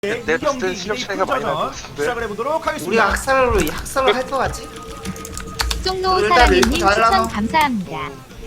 내 봤을 실력 차이가 많이 날 것 같은데. 시작을 해보도록 하겠습니다. 우리 학살로 할 것 같지? 쪽노 일단 사랑님 밀고 추천 달라고. 감사합니다.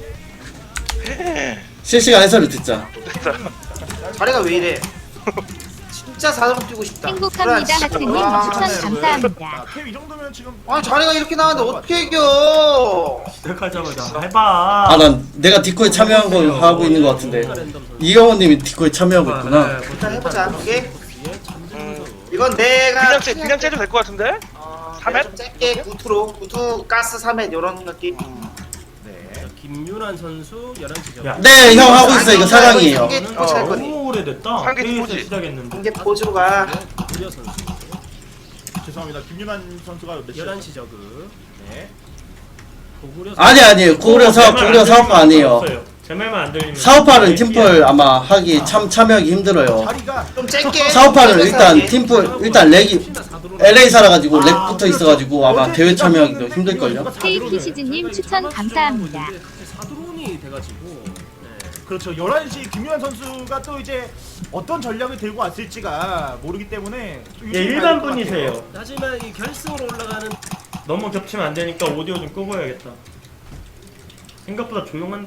실시간 해설을 듣자. 자리가 왜 이래? 진짜 4점 뛰고 싶다. 행복합니다 하트님 추천 감사합니다. 이 정도면 지금 아니 자리가 이렇게 나왔는데 어떻게 이겨? 시작하자마자 해봐. 아, 난 내가 디코에 참여한 거 하고 있는 것 같은데. 이영호님이 디코에 참여하고 있구나. 일단 해보자. 오케이. 이건 내가 그냥 째도 될 것 같은데? 3회? 좀 짧게 구투 가스 3회 이런 느낌. 김윤환 선수 11시 네, 형 하고 있어. 이거 사랑이에요. 한개 포즈 할 거니. 너무 오래됐다. 상계 페이스 포즈. 시작했는데. 한개 포즈로 가. 구려 선수 죄송합니다. 김윤환 선수가 몇 시죠? 11시 저그. 네. 고구려 아니에요. 고구려 사업파 아니에요. 제 말만 안 들리면 사업파는 팀플 아마 하기 참여하기 힘들어요. 자리가 좀 짧게. 사업파는 일단 짧게 팀플 일단 렉이 LA 살아가지고 렉 붙어 있어가지고 아마 대회 참여하기도 힘들걸요. KP시즈님 추천 감사합니다. 사드론이 돼가지고 그렇죠. 11시 김윤환 선수가 또 이제 어떤 전략을 들고 왔을지가 모르기 때문에 좀 예, 유심히 일반 봐야 될것 분이세요. 같아요. 하지만 이 결승으로 올라가는 너무 겹치면 안 되니까 오디오 좀 끄고 해야겠다. 생각보다 조용한데.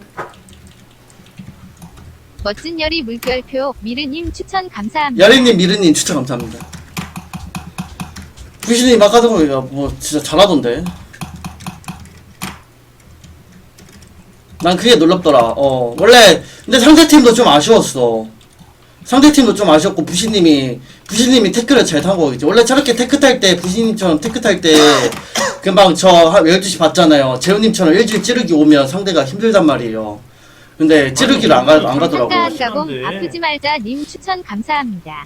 멋진 열이 물결표 미르님 추천 감사합니다. 야리님, 미르님 추천 감사합니다. 부신님 아까 전에 뭐 진짜 잘하던데. 난 그게 놀랍더라. 원래 근데 상대팀도 좀 아쉬웠어. 상대팀도 좀 아쉬웠고 부신님이 태클을 잘 탄 거겠지. 원래 저렇게 태클 탈 때 부신님처럼 태클 탈 때 금방 저 12시 봤잖아요. 재훈님처럼 일주일 찌르기 오면 상대가 힘들단 말이에요. 근데 찌르기를 안 가더라고. 한가한 가공 심한데. 아프지 말자 님 추천 감사합니다.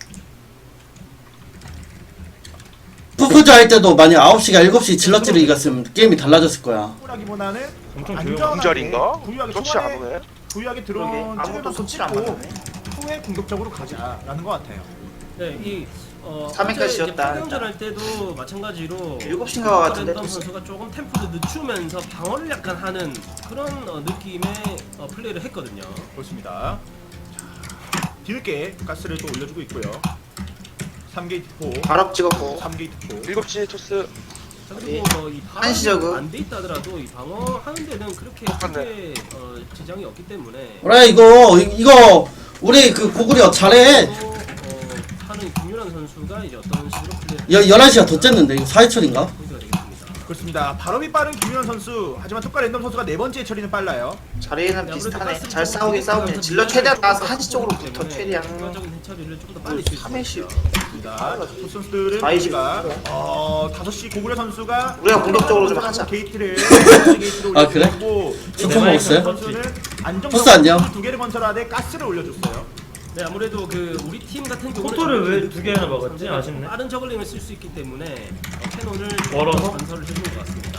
푸푸즈 할 때도 만약 9시가 7시 질러 찌르기 갔으면 게임이 달라졌을 거야. 라기보다는 엄청 안전하게 공절인가? 부유하게 그렇지 초반에 않네. 부유하게 그러게. 들어온 아무것도 손질 안 찍고 맞았네. 후에 공격적으로 가자라는 것 같아요. 네, 이 3회까지 지었다, 파경전 할 때도 마찬가지로 7시인가 같은데. 랜덤 선수가 조금 템포를 늦추면서 방어를 약간 하는 그런 느낌의 플레이를 했거든요. 그렇습니다. 자, 뒤늦게 가스를 또 올려주고 있고요. 3게이트 포, 발업 찍었고. 3게이트 포. 7시 토스. 자, 그리고 뭐이 한시 저그. 안돼 있다 하더라도 이 방어하는 데는 그렇게 크게 지장이 없기 때문에 그래 이거 우리 그 고구려 잘해. 또, 하는 김윤환 선수가 이제 어떤 식으로 플레이를 11시가 더 쨌는데 이거 4회철인가? 포인트가 되겠습니다. 그렇습니다. 발업이 빠른 김윤환 선수. 하지만 토카 랜덤 선수가 네 번째 처리는 빨라요. 자리는 비슷하네. 잘 싸우긴 질러 최대한 나와서 한시 쪽으로 붙어 최대한. 추가적인 해처리를 좀 더 빨리 줄수 3회씩. 있습니다. 토 선수들은 좌이식. 우리가 5시 고구려 선수가 우리가 공격적으로 좀 하자. 게이트를 게이트로 아, 그래? 올려주고 스톱 먹었어요? 선수는 토스 안녕. 안정적으로 두 개를 건설하되 가스를 올려줬어요. 네, 아무래도 그 우리 팀 같은 경우는 포토를 왜 두 개나 먹었지? 아쉽네. 빠른 저글링을 쓸 수 있기 때문에 캐논을 멀어서? 건설을 해준 것 같습니다.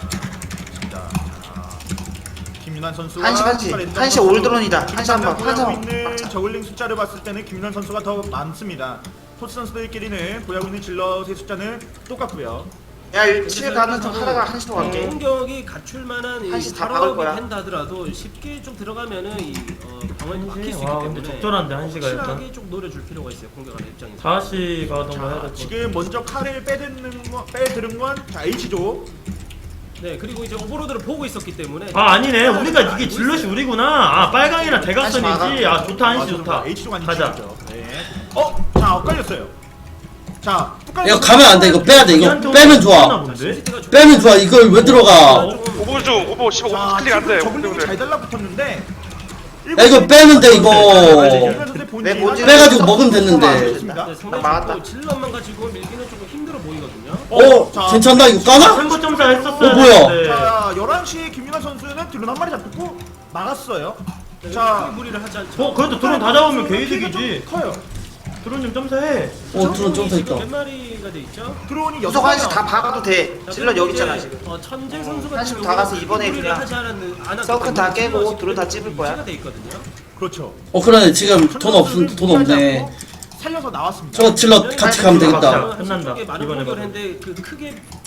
김윤환 선수가 한시 올드론이다. 한시 한번 보유하고 한번 있는 막자. 저글링 숫자를 봤을 때는 김윤환 선수가 더 많습니다. 토스 선수들끼리는 보유하고 있는 질럿의 숫자는 똑같고요. 야 7 가는 척 하다가 한시로 갈게. 공격이 갖출 만한 이 한시 다 박을 발업이 거야. 된다 하더라도 쉽게 좀 들어가면은 이 방어에 막힐 수 있기 와, 때문에 근데 적절한데, 한시가 일단. 확실하게 좀 노려줄 필요가 있어요. 공격하는 입장에서. 4시 가던가 해야 될 것 지금 먼저 칼을 빼드는 건 자, H조. 네, 그리고 이제 오버로드를 보고 있었기 때문에 아, 아니네. 우리가 이게 질럿이 우리구나. 아, 빨강이랑 대각선이지. 아, 좋다. 한시 좋다. H조가 아닌 가자. H조죠. 네. 자, 엇갈렸어요. 자, 이거 가면 안 돼. 이거 빼야 돼. 이거 빼면 좋아. 본데? 빼면 좋아. 이걸 왜 들어가? 오버 좀, 오버 15 자, 클릭 안 돼. 저글링이 잘 달라붙었는데. 야 이거 빼면 돼 이거. 내 본진 빼가지고 먹으면 됐는데. 네, 나 상당히 막았다. 또 질럿만 가지고 밀기는 조금 힘들어 보이거든요. 괜찮나 이거 까나? 3부 점사 했었어야 뭐야? 되는데. 자, 11시에 김윤환 선수는 드론 한 마리 잡고 막았어요. 자, 자, 무리를 하지 않죠. 그래도 드론 다 잡으면 피해가 개이득이지. 좀 커요. 드론 좀 점사해. 드론 점사 있다. 몇 마리가 돼 있죠? 드론이 구석 한시 다 박아도 돼. 자, 질러 그리고 여기 있잖아 이제, 지금. 천재 선수가 한시로 다 가서 이번에 그냥 서클 다 깨고 드론 다 찝을 거야. 돼 있거든요. 그렇죠. 그러네 지금 돈 없네. 살려서 나왔습니다. 저거 질러 같이 가면 되겠다. 끝난다. 이번에 이번에 했는데 그 크게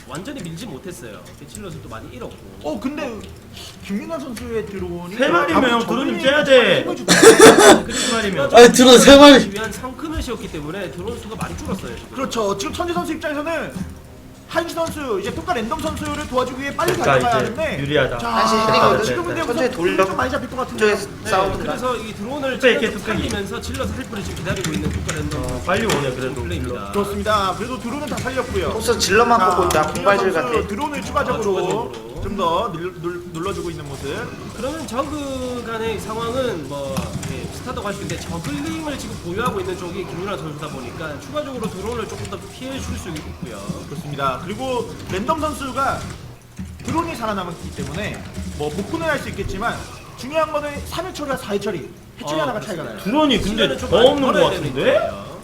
완전히 밀지 못했어요. 질럿을 또 많이 잃었고. 근데 김민환 선수의 드론이 세 마리면 형 드론님 째야 돼. 세 마리면. 아니, 드론 세 마리. 위한 성큰을 때문에 드론 수가 많이 줄었어요. 지금. 그렇죠. 지금 천재 선수 입장에서는 한시 선수 이제 토카 랜덤 선수를 도와주기 위해 빨리 그러니까 달려가야 이제 하는데 유리하다. 자, 한시 흐리거든. 지금 근데 천천히 돌려. 좀 많이 잡힐 것 같은데. 이쪽에서 싸우든가. 그래서 이 드론을 뚝배기, 찔러서 뚝배기. 살리면서 질러서 헬프를 지금 기다리고 있는 국가 랜덤 빨리 오네 그래도. 플레이입니다. 그렇습니다. 그래도 드론은 다 살렸고요. 혹시 질러만 보고 있다. 공발질 같아. 드론을 추가적으로 추가적으로. 좀 더 눌러주고 있는 모습. 그러면 저그 간의 상황은 뭐 비슷하다고 할 수 있는데 저글링을 지금 보유하고 있는 쪽이 김윤아 선수다 보니까 추가적으로 드론을 조금 더 피해 줄 수 있고요. 그렇습니다. 그리고 랜덤 선수가 드론이 살아남았기 때문에 뭐 복구는 할 수 있겠지만 중요한 거는 3회 처리와 4회 처리. 해처리 하나가 차이가 나요. 드론이 근데 시간을 좀 더 많이 없는 것 벌어야 되는 같은데? 거예요.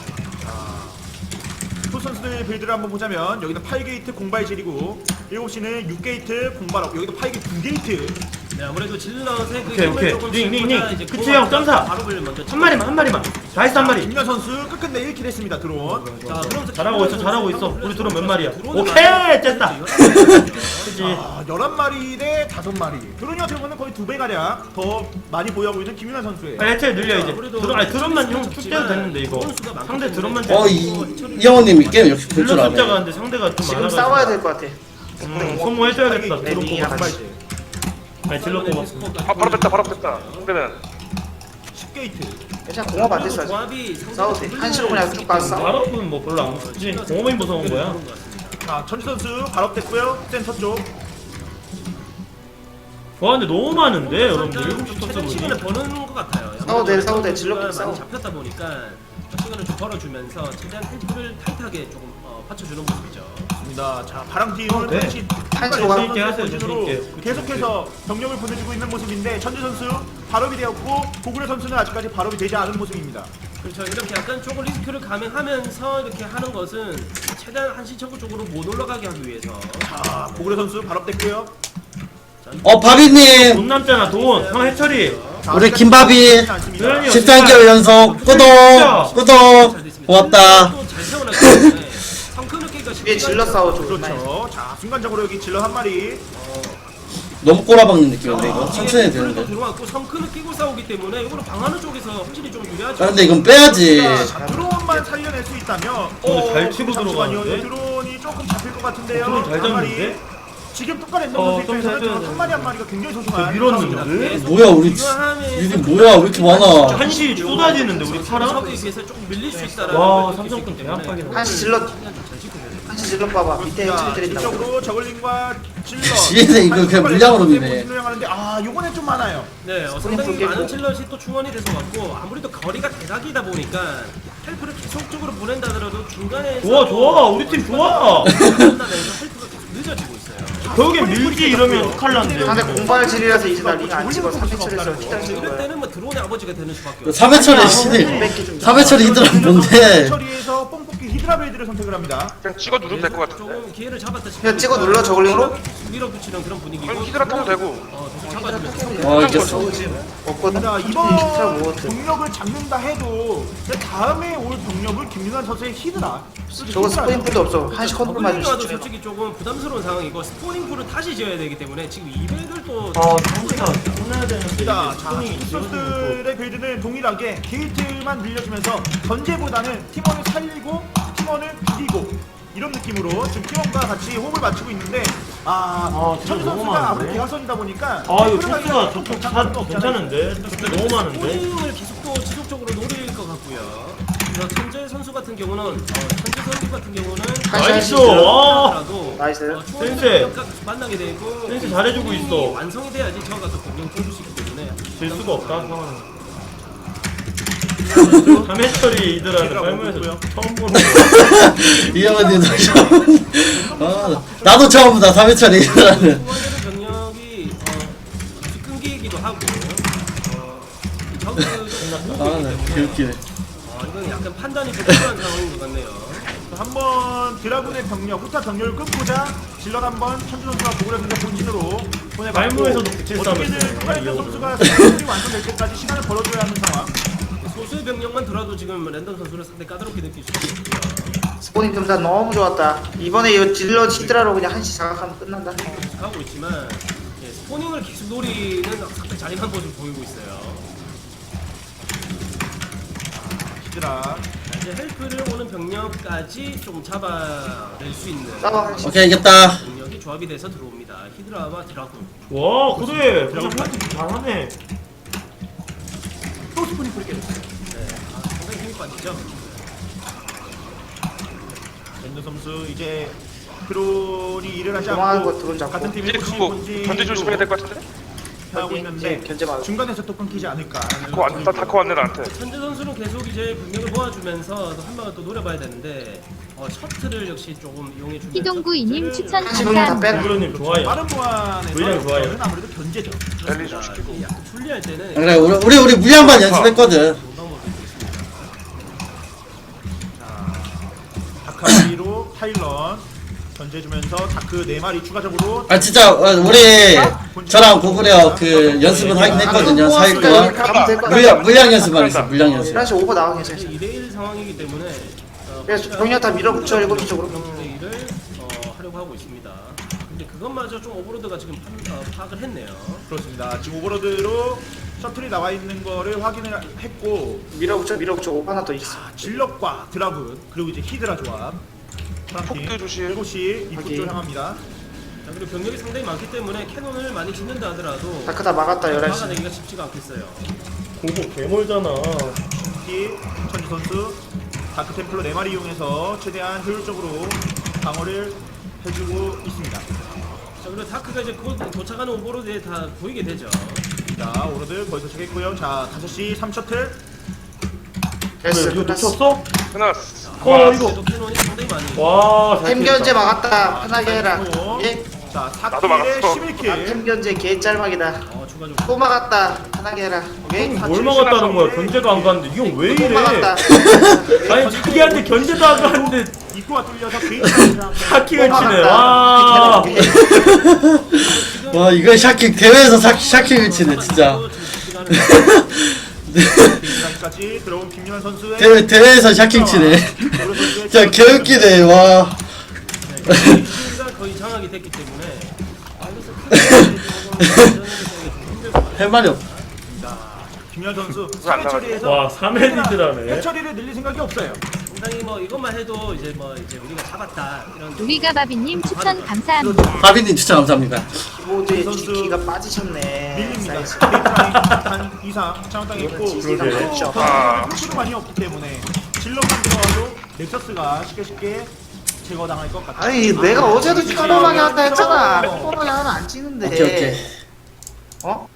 두 선수들 빌드를 한번 보자면 여기는 8게이트 공발질이고 7시는 6게이트 공발업 여기도 8게이트 9게이트 네, 아무래도 질럿의 그 오케이, 힘을 오케이. 조금 링, 링, 줄이고자 링. 이제 그치, 코어가 형, 점사. 발업을 먼저 한 마리만. 나이스 한 마리. 김연 선수 끝끝내 1킬 했습니다. 드론. 자, 그러면서 잘하고 있어, 김윤아 잘하고 선수 있어. 우리 드론 몇 마리야? 드론을 오케이, 많이 쨌다. 그치. 11마리 대 5마리. 드론이 어떻게 보면 거의 2배 가량 더 많이 보유하고 있는 김윤아 선수예요. 빨리 해체 늘려 이제. 아무래도 드론, 아니 드론만 형 적지만 축제도 됐는데 이거. 드론 수가 많기 상대 드론만 때문에 이영호님이 게임 역시 볼 줄 질러 아네. 숫자가 근데 상대가 좀 지금 많아가지고. 싸워야 될 것 같아. 소모해줘야겠다. 네, 드론 링이랑 뽑아. 같이. 아니 질러 뽑아. 바로 뺐다. 상대는 10게이트. 괜찮아. 공업 안 됐어. 아직. 조합이 싸워도 돼. 한시로 그냥 쭉 가서 싸워. 발업은 뭐 별로 안 무섭지. 공업이 무서운 거야. 자, 천지 선수 발업됐고요. 센터 쪽. 와 근데 너무 많은데 여러분들. 좀 7시 최대 시간을 버는 것 같아요. 싸워 돼. 질럿끼리 많이 싸워. 잡혔다 보니까 시간을 좀 벌어주면서 최대한 템포를 타이트하게 조금 받쳐주는 모습이죠. 입니다. 자, 바람팀은 네. 다시 한시로 가. 재밌게 하세요, 포지션으로 재밌게. 계속해서 병력을 보내주고 있는 모습인데 천지 선수 발업이 되었고 고구려 선수는 아직까지 발업이 되지 않은 모습입니다. 그렇죠. 이렇게 약간 조금 리스크를 감행하면서 이렇게 하는 것은 최대한 한시 청구 쪽으로 못 올라가게 하기 위해서. 자, 고구려 선수 발업됐고요. 바비님 돈 남잖아 돈. 형 해처리. 자, 우리 아직까지 김밥이 들어가지 않습니다. 그러니- 13개월 연속 구독 고맙다. 잘 세워놨기 때문에 성큰을 깨기가 위에 질러 싸워줘. 그렇죠. 자, 순간적으로 여기 질러 한 마리. 너무 꼬라박는 느낌인데 이거 천천히 해야 되는데. 들어왔고 성큰을 끼고 싸우기 때문에 이거는 방하는 쪽에서 확실히 좀 유리하죠. 아 근데 이건 빼야지. 자, 드론만 살려낼 수 있다면 근데 잘 치고 잠시만요. 들어가는데? 드론이 조금 잡힐 것 같은데요. 드론 잘 한 마리. 잡는데? 지금 똑같은 랜덤 선수 좀 입장에서는 잘 한 마리 한 마리가 굉장히 소중한 밀었는데? 뭐야 우리 유닛 뭐야 왜 이렇게 많아. 한시 쏟아지는데 우리 파랑? 적에 비해서 조금 밀릴 수 있다라는 와, 걸 느낄 수 있기 삼성군 때문에 대합하긴 한시 질러. 한시 질러 봐봐. 밑에 해처리 때린다고. 뒤쪽으로 저글링과 질러. 지혜는 이거 그냥 물량으로 미네. 하는데 아, 요거는 좀 많아요. 네, 상당히 많은 칠럿이 또 충원이 돼서 왔고 아무래도 거리가 대각이다 보니까 헬프를 계속적으로 보낸다더라도 중간에 좋아 우리 팀 좋아. 만나면서 헬프가 계속 늦어지고 있어요. 결국엔 밀지 이러면 욕할란데. 상대 공발질이라서 이제 나 링 안 찍어. 3회처리에서 피당 찍은 이럴 거야. 때는 뭐 드론의 아버지가 되는 수밖에 없어요. 3회철에 시대 3회철에 이들은 뭔데. 처리에서 뽕뽑기 히드라 베이드를 선택을 합니다. 그냥 찍어 누르면 될 것 같은데. 조금 기회를 잡았다 싶으니까 그냥 찍어 눌러, 저글링으로? 밀어붙이는 그런 분위기고 그럼 히드라 타도 되고. 계속 잡아주면서 와 이겼어. 없거든. 자, 잘 이번 먹었어. 병력을 잡는다 해도 다음에 올 병력을 김윤환 선수의 히드라. 저거 스포인풀도 없어. 한시 컨트롤 맞을 수 와도 있지. 솔직히 조금 부담스러운 상황이고 스포닝풀을 다시 지어야 되기 때문에 지금 200을 또 상대가 혼내야 되는데. 자, 선수들의 빌드는 동일하게 게이트만 늘려주면서 전제보다는 팀원을 살리고 팀원을 죽이고 이런 느낌으로 지금 팀원과 같이 호흡을 맞추고 있는데 천주 너무 선수가 아무리 많은데? 대각선이다 보니까 이거 템플러가 토스가 저쪽 다 괜찮은데? 너무 많은데? 스포닝을 계속 또 지속적으로 노릴 것 같고요. 그래서 천재 선수 같은 경우는 천재 선수 같은 경우는 나이스! 와. 하더라도 나이스. 센세. 만나게 되고 센세 잘해주고 있어. 완성이 돼야지 저가 또 공격을 해줄 수 있기 때문에 질 수가 없다 상황은. 3회처리 이들하는 삶에서 처음 보는 거야. 이영호님 아 나도 처음이다 3회철에 이들하는. 후원되는 병력이 끊기기도 하고 저그 아네 개웃기네. 이건 약간 판단이 좀 필요한 상황인 것 같네요. 한번 드라군의 병력, 후타 병력을 끊고자 질럿 한번 천주 선수가 고구려 선수 본진으로 보내봤고 말무에서도 붙일싸움을 어떻게든 했어요. 토카랜드 선수가 스킬이 완성될 때까지 시간을 벌어줘야 하는 상황. 소수의 병력만 들어도 지금 랜덤 선수를 상당히 까다롭게 느낄 수 있고요. 스포닝 금단 너무 좋았다. 이번에 이 딜러 히드라로 그냥 한시 장악하면 끝난다. 하고 있지만 예, 스포닝을 계속 노리는 상당히 잔인한 모습을 보이고 있어요. 히드라. 자, 이제 헬프를 오는 병력까지 좀 잡아낼 수 있는 싸워 한시. 오케이 이겼다. 병력이 조합이 돼서 들어옵니다. 히드라와 드라군. 와 그래 그냥 잘하네. 또 스포닝 뿌리게 됐어요. 네, 상당히 힘이 빠지죠. 랜드 선수 이제 크론이 일을 하지 도망하는 거 않고 드론 잡고. 같은 팀이 이제 그거 견제 조심해야 될 것 같은데? 하고 있는데 견제 맞아. 중간에서 또 끊기지 않을까. 다코 왔다 다코 왔네 나한테. 현재 선수는 계속 이제 병력을 모아주면서 또 한 방을 또 노려봐야 되는데 셔틀을 역시 조금 이용해 주면서 희동구이님 추천 한시 병력 다 빼라. 부모님 좋아요. 빠른 보안에서 물량 좋아요. 저는 아무래도 견제죠. 랠리 좀 시키고. 약간 불리할 때는 그래 우리 물량반 연습했거든. 다카리로 타일런 견제해주면서 다크 4마리 추가적으로 아 진짜 우리 저랑 고구려 그 연습은 하긴 했거든요. 4일 동안 가면 될것 같아. 물량 연습만 했어. 물량 연습. 한시 오버 나가면 괜찮아. 2대1 상황이기 때문에 그래서 병력 다 밀어붙여 7시 쪽으로. 플레이를 하려고 하고 있습니다. 근데 그것마저 좀 오버로드가 지금 파악을 했네요. 그렇습니다. 지금 오버로드로 셔틀이 나와 있는 거를 확인을 했고 밀어붙여 오버 하나 더 있어. 질럿과 드라군 그리고 이제 히드라 조합 폭도 조심. 7시 입구 쪽 향합니다. 자, 그리고 병력이 상당히 많기 때문에 캐논을 많이 짓는다 하더라도 다크 다 막았다 11시. 막아내기가 쉽지가 않겠어요. 공복 개멀잖아. 특히 천지 선수 다크 템플러 4마리 이용해서 최대한 효율적으로 방어를 해주고 있습니다. 자, 그리고 다크가 이제 곧 도착하는 오버로드에 다 보이게 되죠. 자 오로드 거의 도착했고요. 자 5시 3셔틀 됐어. 이거 끝났어. 놓쳤어? 끝났어. 어 이거. 그래도 캐논이 상당히 많이 와. 잘 템 견제 막았다. 편하게 해라. 예? 자 나도 4킬에 막았어. 11킬 템 견제 개 짤막이다. 추가적으로 또 막았다. 편하게 해라. 오케이? 뭘 막았다는 거야? 견제가 안 가는데 이건 왜 또 이래? 막았다. 아니 자기한테 견제도 안 가는데 입구가 뚫려서 게이트를 샤킹을 또 치네. 막았다. 와. 오케이. 와 이거 샤킹 대회에서 샤킹을 치네 진짜. 까지 들어온 김윤환 선수의 대회에서 샤킹 치네. 진짜 개웃기네 와. 가 거의 장악이 됐기 때문에 할 말이 없. 김윤환 선수 안 3회 처리에서 와 3회 리드라네. 해처리를 늘릴 생각이 없어요. 상당히 뭐 이것만 해도 이제 우리가 잡았다 이런 우리가 바비님 추천 감사합니다. 바비님 추천 감사합니다. 키보드에 선수 키가 빠지셨네. 밀립니다. 사이즈. 게이트라인 단 이상 장땅에 있고 그러게. 더 수 많이 없기 때문에 질럿만 들어와도 넥서스가 쉽게 제거당할 것 같아요. 아니 내가 어제도 편안하게 한다 했잖아. 편안하게 하면 안 찌는데. 오케이. 어?